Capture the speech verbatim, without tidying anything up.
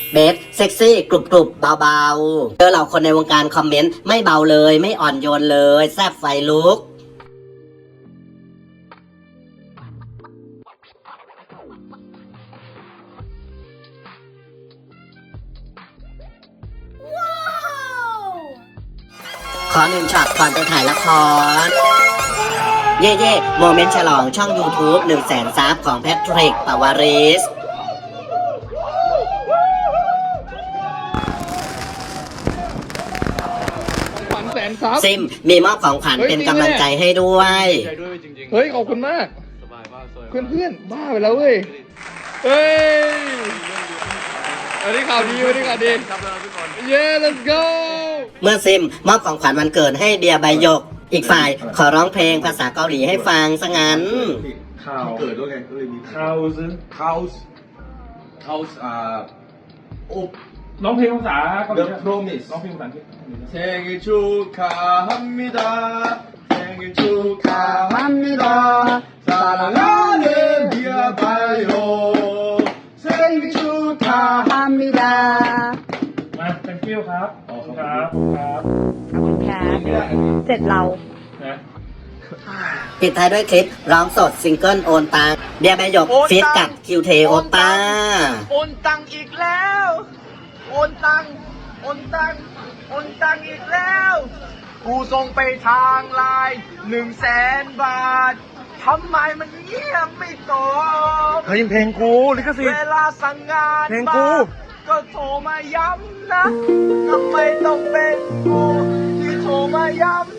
เบสเซ็กซี่กรุบกรุบเบาๆเจอเหล่าคนในวงการคอมเมนต์ไม่เบาเลยไม่อ่อนโยนเลยแซ่บไฟลุกขอหนึ่งช็อตก่อนไปถ่ายละครเย่เย่โมเมนต์ฉลองช่อง YouTube หนึ่งแสนซับของแพทริกปาวาริสซิมมีมอบของขวัญเป็นกำลังใจให้ด้วยเฮ้ยขอบคุณมากเพื่อนเพื่อนบ้าไปแล้วเว้ยเฮ้ยวันนี้ข่าวดีวันนี้ข่าวดีเย้ let's go เมื่อซิมมอบของขวัญวันเกิดให้เดียใบหยกอีกฝ่ายขอร้องเพลงภาษาเกาหลีให้ฟังซะงั้นข่าวเกิดด้วยไงก็เลยมีข่าวซึข่าวข่าวอ่าโอ้ร้องเพลงภาษาเกาหลี The Promise ร้องเพลงภาษาอังกฤษ 생일축하합니다. มา thank you ครับขอบคุณครับครับขอบคุณครับเสร็จเรานะปิดท้ายด้วยคลิปร้องสดซิงเกิลโอนตังเดียใบหยกฟีดกับคิวเทโอป้าโอนตังอีกแล้วโอนตังโอนตังโอนตังอีกแล้วกูส่งไปทางไลน์หนึ่งแสนบาททำไมมันเงียบไม่ตอบเฮ้ยเพลงกูลิขสิทธิ์เวลาสั่งงานเพลงกูก็โทรมาย้ำนะทำไมต้องเป็นกูที่โทรมาย้ำ